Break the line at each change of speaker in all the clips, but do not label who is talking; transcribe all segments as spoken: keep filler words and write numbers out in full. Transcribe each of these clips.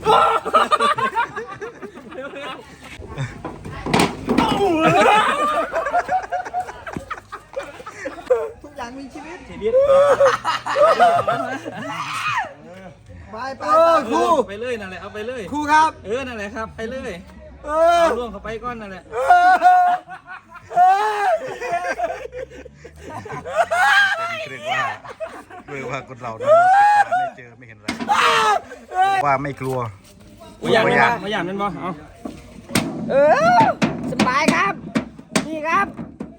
ทุกอย่างมีชีวิต
ชีวิต
ไปไปครู
ไปเลยนั่นแหละเอาไปเลย
ครูครับ
เออนั่นแหละครับไปเลย
เออ
เอาล่วงเข้าไปก้อนนั่นแหละ
เรียกว่าเรียกว่าคนเราเนาะติดตาไม่เจอไม่เห็นอะไรว่าไม่กลัว
ไม่อยากไม่อยากไม่อยากนั่นบ่เอา
เออสบายครับนี่ครับ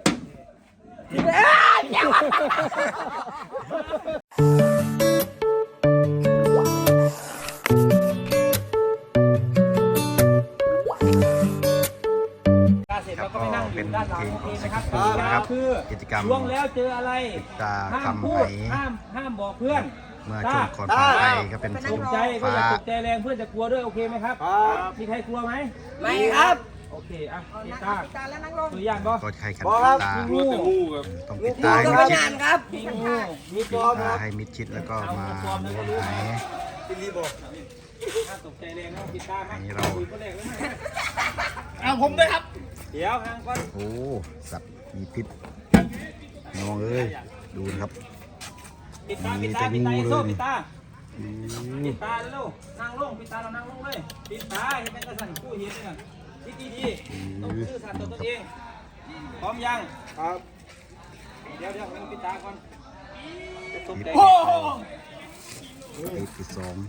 ครับก็เป็นเพลงของสิงคโปร์นะครับกิจกรรม
ล่วงแล้วเจออะไร
ติดตา
ห้าม
คำ
พู
ไห
ดห้ามห้ามบอกเพื่อน
เมื่อช่วงก่อนผ่านไปก็เป็น
ต
สี
กใจก็อย่า
ฟ้า
ตกใจแรงเพื่อนจะกลัวด้วยโอเคไหมครับมีใครกลัวไหม
ไม่ครับ
โอเคอ่ะปิดตาตัวอย่างบ่
ก็ใครขันติดตา
งู
ต้องปิดตาให้มิดชิด
ครับ
มีงูมี
ปิ
ตั
ด
ว
ตาให้มิดชิดแล้วก็มาม้วนหาย
ถ้าตกใจแรงนะปิดตาไหม
อันนี้เรา
คุยก็แรกแล้วไหม
เอาผมด้วยครับ
เดี๋ยวทางก่อน
โอ้สัตว์มีพิษน้องเอ้ยดูนะครับ
ปิดตาปิดตาปิดตาโซ่ปิดตาปิดตาเร็วนั่งลงปิดตาเรานั่งลงเลยปิดตาให้เป็นกระสันกู้เห็นเลยคิดดีๆต้องซื่อสัตย์ต่อตัวเองพร้อมยังครับเดี๋ยวเดี๋ยวให้ปิดตาก่อนจะตกใจ
ติดที่สอง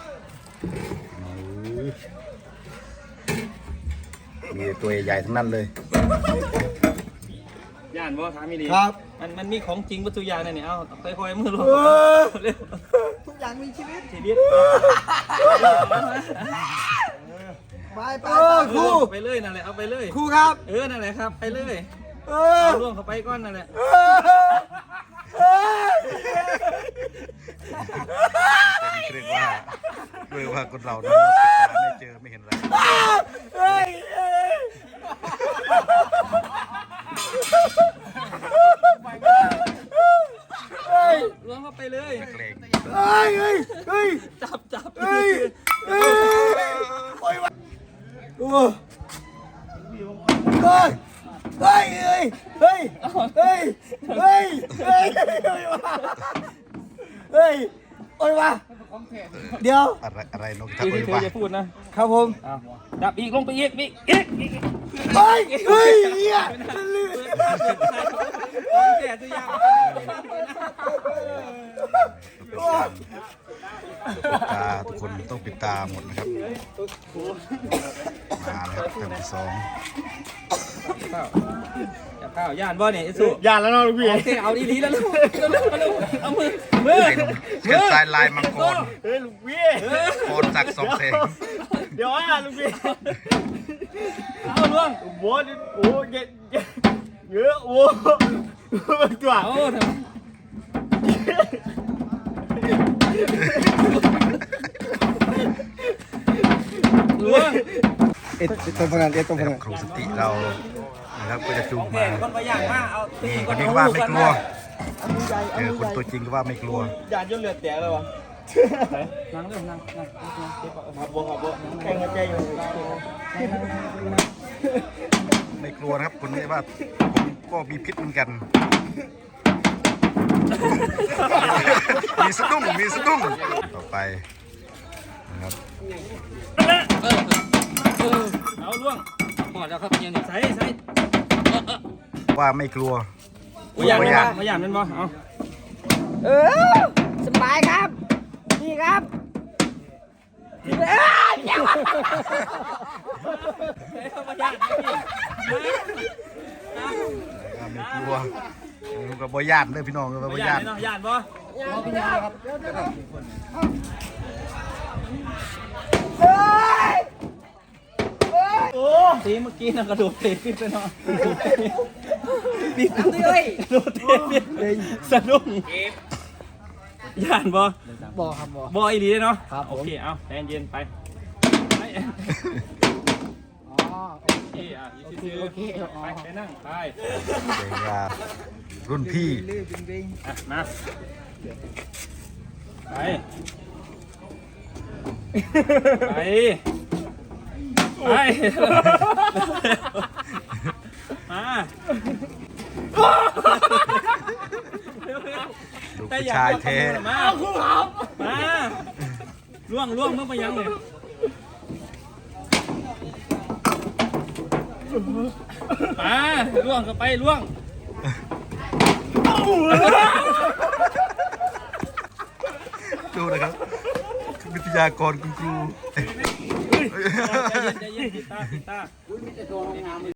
มีตัวใหญ่ๆทั้งนั้นเลย
ย่านบ่ถามไม่ดี
ครับ
มันมันมีของจริงวัตถุยางเนี่ยเอาค่อยๆมือลง
ทุกอย่างมีชีวิต
ชีวิต
ไปไปครู
ไปเลยนั่นแหละเอาไปเลย
ครูครับ
เออนั่นแหละครับไปเลย
เออ
เอาล่วงเข้าไปก้อนนั่นแหละ
เรียกว่าเรียกว่าคนเราเนาะติดตาไม่เจอไม่เห็นอะไร
เฮ้ยเฮ้ย
ล่วงเข้าไปเลย
เกรง
เฮ้ยเฮ้ยเฮ้ย
จับจับ
เฮ้ยเฮ้ยโอ้ยโอ้เฮ้ยเฮ้ยเฮ้ยเฮ้ยเฮ้ยเฮ้ยเฮ้ยเฮ้ยโอ้ยวะเดี๋ยว
อะไรอะไรนกทับ
ที่
เล
เธ
ย
อ
วะ
จะพูดนะครับ
ผม
จับอีกลงไปอีกอีกอีกอีก
เฮ้ยเฮ้ยเฮีย
แก่ตัวยาง
ปิดตาทุกคนต้องปิดตาหมดนะครับมาแล้วครับคำที่สอง
ข้าวจับข้าวย่านบ่เนี่ยไอ้สุ
อย่าแล้วน้องลูกพี่
โอเคเอาดีๆแล้วลูกเอามือมือ
เขียนทรายลายมังกร
เฮ้ยลูกพี่
โคนสักสองแสง
เดี๋ยวอ่ะลูกพี่
เอาล่วง
โว้ยโอ้ยเยอะโว้มันกว่า
เอาทำล่วง
เอ็ดตรงพนันเอ็ดตรงพ
นะค
นั
รับ
น
ครูสติเรานะครับก็จะจูง
แก่
มา
คนประหยัดมากเอา
นี่คนนี้ว่าไม่กลัวเจอคนตัวจริงก็ว่าไม่กลัว
ยานยนเลือดแตกเลยวะ
นั่งเร็วนั่งนั่ง
ขับบัวขับบัวแข่งกันใจอยู่
ไม่กลัวนะครับคนนี้ว่าผมก็มีพิษเหมือนกัน มีสะดุ้งมีสะดุ้งต่อไปนะครับ
เอาล่วงหมดแล้วครับยังใส่ใส่
ว่าไม่กลัว
ประหยัดมั้ยประหยัดมันบ่เอา
เออสบายครับนี่ครับเอ้ย
ประหยัด
ไม่กลัวมันก็บ่ญาติเลยพี่น้องก็
ป
บ่
ระหยั
ญา
ด
ติ
เนาะหยัดบ่ประหยัดครับโอ้ตีเมื่อกี้นะกระโดดเตะขึ้นไปเนาะปีกเลยกระโดดเตะสะดุ้งหยัดบ่
บ่ครับบ่
บ่อีหลีเนาะ
ครับผม
โอเคเอาใจเย็นไปไป
อ๋อ
โอเคอ่ะโอเคโอเคไปไปนั่งไป
เด็กว่ารุ่นพี่
ลื่นจริง
อ่ะมาไปไปไปมา
ดูผู้ชายเท
มามาล่วงล่วงเมื่อไปยังเนี่ยมาล่วงก็ไปล่วง
ดูนะครับ วิทยากรคุณครู
ใจเย็นใจเย็นปิดตาปิดตา